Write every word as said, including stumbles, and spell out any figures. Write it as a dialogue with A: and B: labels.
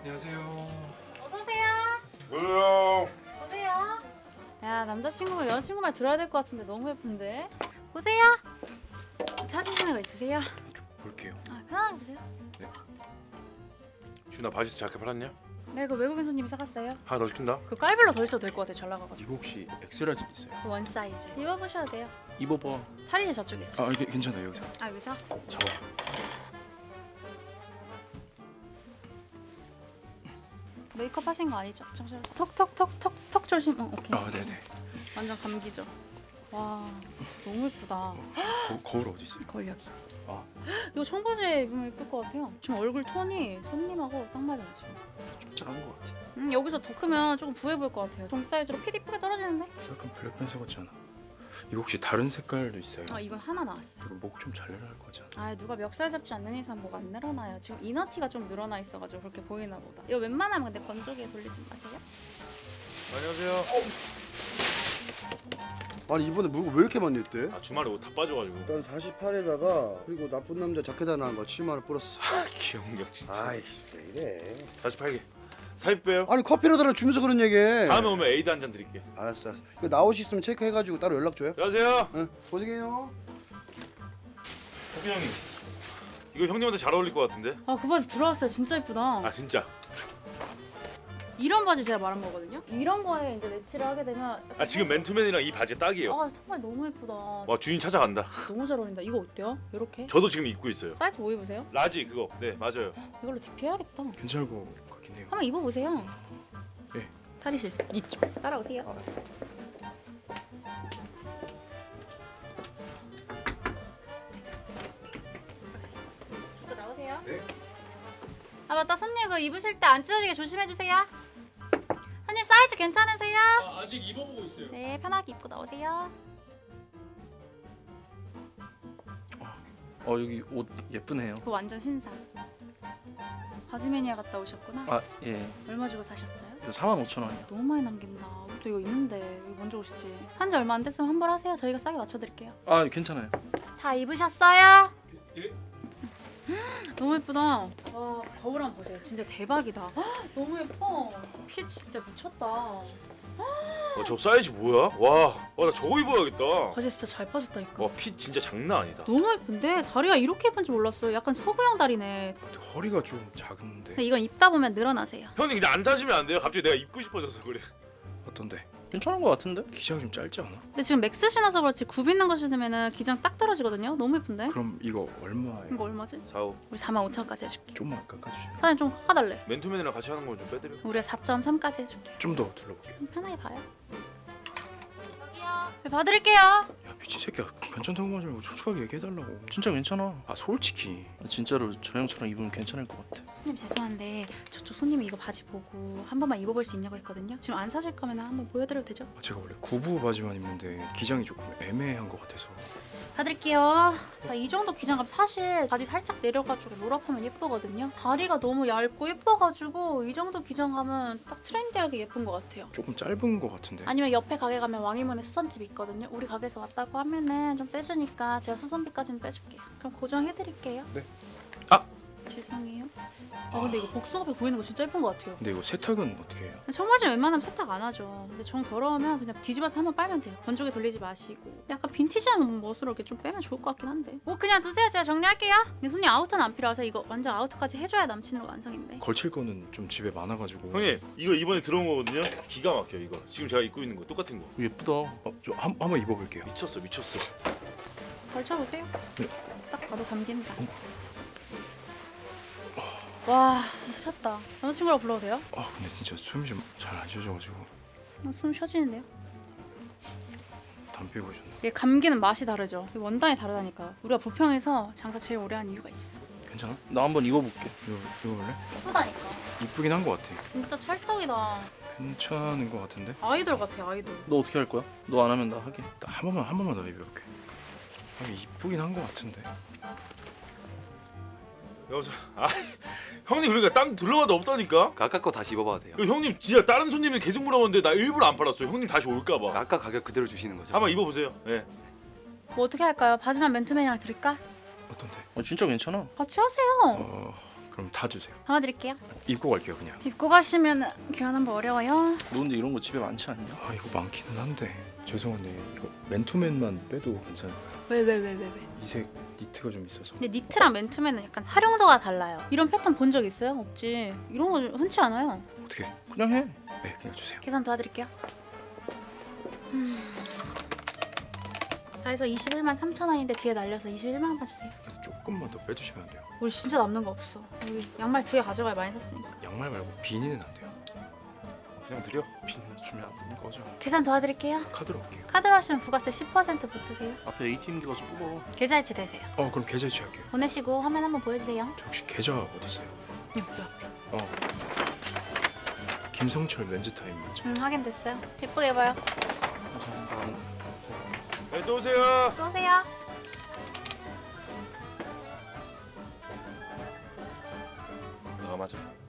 A: 안녕하세요.
B: 어서 오세요.
C: 뭐야?
B: 보세요. 야, 남자친구 말 여자친구 말 들어야 될 것 같은데 너무 예쁜데. 보세요. 찾으시는 거 있으세요?
A: 좀 볼게요.
B: 아, 편하게 보세요.
C: 준아 바지에서 자켓 팔았냐?
B: 네, 그 외국인 손님이 사갔어요.
C: 하나 더 시킨다.
B: 그 깔별로 더 있어도 될 것 같아요. 잘 나가가지고.
A: 이거 혹시 엑스라지 있어요?
B: 그 원 사이즈. 입어보셔도 돼요.
A: 입어봐.
B: 탈의실 저쪽에 있어요.
A: 아 이게 괜찮아요 여기서.
B: 아, 여기서?
A: 잡아.
B: 메이크업 하신 거 아니죠? 잠시만. 턱턱턱턱턱 조심. 어, 오케이.
A: 아 네네.
B: 완전 감기죠. 와, 너무 예쁘다.
A: 거, 거울 어디 있어요?
B: 거울 여기.
A: 아.
B: 이거 청바지에 입으면 예쁠 것 같아요. 지금 얼굴 톤이 손님하고 딱 맞아요.
A: 좀 작은 것 같아.
B: 음, 여기서 더 크면 조금 부해 보일 것 같아요. 정 사이즈로 핏 이쁘게 떨어지는데?
A: 약간 블랙팬서 같지 않아? 이거 혹시 다른 색깔도 있어요?
B: 아, 이건 하나 나왔어요.
A: 이거 목 좀 잘 내려갈 거지 않아?
B: 아, 누가 멱살 잡지 않는 이상 뭐가 안 늘어나요. 지금 이너티가 좀 늘어나 있어가지고 그렇게 보이나 보다. 이거 웬만하면 근데 건조기에 돌리지 마세요.
C: 안녕하세요.
D: 아니 이번에 물건 왜 이렇게 많이 했대?
C: 아 주말에 옷 다 빠져가지고.
D: 일단 사십팔에다가 그리고 나쁜 남자 자켓 하나 한 거 칠만 원 플러스.
C: 아 기억력 진짜.
D: 아이씨 왜 이래?
C: 사십팔 개. 삽입 빼요.
D: 아니 커피로 달아 주면서 그런 얘기해.
C: 다음에 오면 에이드 한 잔 드릴게.
D: 알았어. 이거 나올 수 있으면 체크해가지고 따로 연락 줘요.
C: 안녕하세요.
D: 응. 고생해요.
C: 호빈 형님. 이거 형님한테 잘 어울릴 것 같은데?
B: 아, 그 바지 들어왔어요. 진짜 예쁘다.
C: 아 진짜.
B: 이런 바지 제가 말한 거거든요. 이런 거에 이제 매치를 하게 되면
C: 아 지금 맨투맨이랑 이 바지 딱이에요.
B: 아, 정말 너무 예쁘다.
C: 와 주인 찾아간다.
B: 너무 잘 어울린다. 이거 어때요? 이렇게?
C: 저도 지금 입고 있어요.
B: 사이즈 뭐 입으세요?
C: 라지 그거. 네 맞아요.
B: 이걸로 디피 해야겠다.
A: 괜찮을 것 같긴 해요.
B: 한번 입어보세요.
A: 네.
B: 탈의실 이쪽 따라오세요. 입고 나오세요.
A: 네.
B: 아, 맞다. 손님 그 입으실 때 안 찢어지게 조심해 주세요. 손님 사이즈 괜찮으세요?
A: 아, 아직 입어보고 있어요.
B: 네, 편하게 입고 나오세요.
E: 어 여기 옷 예쁘네요.
B: 그거 완전 신상. 바지 매니아 갔다 오셨구나.
E: 아 예.
B: 얼마 주고 사셨어요?
E: 이거 사만 오천 원이요.
B: 너무 많이 남긴다. 또 이거 있는데 여기 먼저 오시지. 산지 얼마 안 됐으면 환불하세요. 저희가 싸게 맞춰드릴게요.
E: 아 괜찮아요.
B: 다 입으셨어요?
A: 예.
B: 너무 예쁘다. 와, 거울 한번 보세요. 진짜 대박이다. 헉, 너무 예뻐. 핏 진짜 미쳤다.
C: 어, 저 사이즈 뭐야? 와, 와 나 저거 입어야겠다.
B: 바지 진짜 잘 빠졌다니까.
C: 와 핏 진짜 장난 아니다.
B: 너무 예쁜데 다리가 이렇게 예쁜지 몰랐어요. 약간 서구형 다리네.
A: 근데 허리가 좀 작은데.
B: 근데 이건 입다 보면 늘어나세요.
C: 형님 근데 안 사시면 안 돼요. 갑자기 내가 입고 싶어져서 그래.
A: 어떤데?
E: 괜찮은 것 같은데?
A: 기장이 좀 짧지 않아?
B: 근데 지금 맥스 신어서 그렇지 굽 있는 거 신으면 기장 딱 떨어지거든요. 너무 예쁜데?
A: 그럼 이거 얼마에?
B: 이거 얼마지?
C: 사오.
B: 우리 사만 오천까지 해줄게.
A: 좀만 깎아주시면.
B: 사장님 좀 깎아달래.
C: 맨투맨이랑 같이 하는 건 좀 빼드려.
B: 우리가 사 점 삼까지 해줄게.
A: 좀 더 둘러볼게요.
B: 좀 편하게 봐요. 여기요. 네, 봐드릴게요.
A: 야 미친 새끼야 괜찮다고 하지 말고 솔직하게 얘기해달라고.
E: 진짜 괜찮아.
A: 아 솔직히.
E: 진짜로 저 형처럼 입으면 괜찮을 것 같아.
B: 손님 죄송한데 저쪽 손님이 이거 바지 보고 한 번만 입어볼 수 있냐고 했거든요. 지금 안 사실 거면 한번 보여드려도 되죠?
A: 아, 제가 원래 구부 바지만 입는데 기장이 조금 애매한 것 같아서.
B: 봐드릴게요. 자, 이 정도 기장감 사실 바지 살짝 내려가지고 롤업하면 예쁘거든요. 다리가 너무 얇고 예뻐가지고 이 정도 기장감은 딱 트렌디하게 예쁜 것 같아요.
A: 조금 짧은 것 같은데.
B: 아니면 옆에 가게 가면 왕이문에 수선집 있거든요. 우리 가게에서 왔다고 하면은 좀 빼주니까 제가 수선비까지는 빼줄게요. 그럼 고정해드릴게요.
A: 네.
E: 아!
B: 죄송해요. 아 근데 이거 복숭 앞에 보이는 거 진짜 예쁜 것 같아요.
A: 근데 이거 세탁은 어떻게 해요?
B: 청바지 웬만하면 세탁 안 하죠. 근데 정 더러우면 그냥 뒤집어서 한번 빨면 돼요. 건조기 돌리지 마시고. 약간 빈티지한 멋으로 이렇게 좀 빼면 좋을 것 같긴 한데. 뭐 그냥 두세요. 제가 정리할게요. 근데 손님 아우터는 안 필요해서 이거 완전 아우터까지 해줘야 남친으로 완성인데.
A: 걸칠 거는 좀 집에 많아가지고.
C: 형님 이거 이번에 들어온 거거든요. 기가 막혀 이거. 지금 제가 입고 있는 거 똑같은 거.
E: 예쁘다.
A: 어, 저 한, 한번 입어볼게요.
C: 미쳤어 미쳤어.
B: 걸쳐보세요.
A: 네.
B: 딱 봐도 감긴다. 와 미쳤다. 남자친구라고 불러도 돼요?
A: 아 근데 진짜 숨이 좀 잘 안 쉬어져가지고
B: 어, 숨 쉬어지는데요?
A: 담배 피우셨네.
B: 이게 감기는 맛이 다르죠. 이게 원단이 다르다니까. 우리가 부평에서 장사 제일 오래 한 이유가 있어.
A: 괜찮아?
E: 나 한번 입어볼게.
A: 이거 입어볼래?
B: 예쁘다니까.
A: 이쁘긴 한 것 같아.
B: 진짜 찰떡이다.
A: 괜찮은 것 같은데?
B: 아이돌 같아 아이돌.
E: 너 어떻게 할 거야? 너 안 하면 나 하게.
A: 나 한 번만 한 번만 더 입어볼게. 아 이쁘긴 한 것 같은데.
C: 여기서 아 형님 그러니까 딴 둘러봐도 없다니까.
F: 아까 거 다시 입어봐도 돼요.
C: 그 형님 진짜 다른 손님이 계속 물어봤는데 나 일부러 안 팔았어요. 형님 다시 올까봐.
F: 아까 가격 그대로 주시는 거죠?
C: 한번 입어보세요. 예.
B: 뭐 어떻게 할까요? 바지만 맨투맨이랑 드릴까?
A: 어떤데?
E: 어 진짜 괜찮아.
B: 같이 하세요.
A: 어 그럼 다 주세요.
B: 담아드릴게요.
A: 입고 갈게요 그냥.
B: 입고 가시면 교환한 거 어려워요.
E: 너 근데 이런 거 집에 많지 않냐?
A: 아 이거 많기는 한데 죄송한데 이거 맨투맨만 빼도 괜찮을까요?
B: 왜 왜 왜 왜 왜?
A: 이색 니트가 좀 있어서.
B: 근데 니트랑 맨투맨은 약간 활용도가 달라요. 이런 패턴 본 적 있어요? 없지. 이런 거 흔치 않아요.
A: 어떻게?
E: 그냥 해.
A: 네 그냥 주세요.
B: 계산 도와드릴게요. 음. 다 해서 이십일만 삼천 원인데 뒤에 날려서 이십일만 원만 주세요.
A: 조금만 더 빼주시면 안 돼요?
B: 우리 진짜 남는 거 없어. 여기 양말 두 개 가져가야 많이 샀으니까.
A: 양말 말고 비니는 안 돼요.
C: 그냥 드려.
A: 비니 주면 안 되는 거죠?
B: 계산 도와드릴게요.
A: 카드로 할게요.
B: 카드로 하시면 부가세 십 퍼센트 붙으세요.
E: 앞에 에이티엠기 가서 뽑아.
B: 계좌이체 되세요.
A: 어 그럼 계좌 이체할게요.
B: 보내시고 화면 한번 보여주세요.
A: 저 혹시 계좌 어디 있어요?
B: 여기 앞에.
A: 어. 김성철 렌즈 타임 맞죠?
B: 음 확인됐어요. 예쁘게 입어요.
E: 감사합니다.
C: 네, 또 오세요.
B: 또 오세요.
C: 너가 맞아.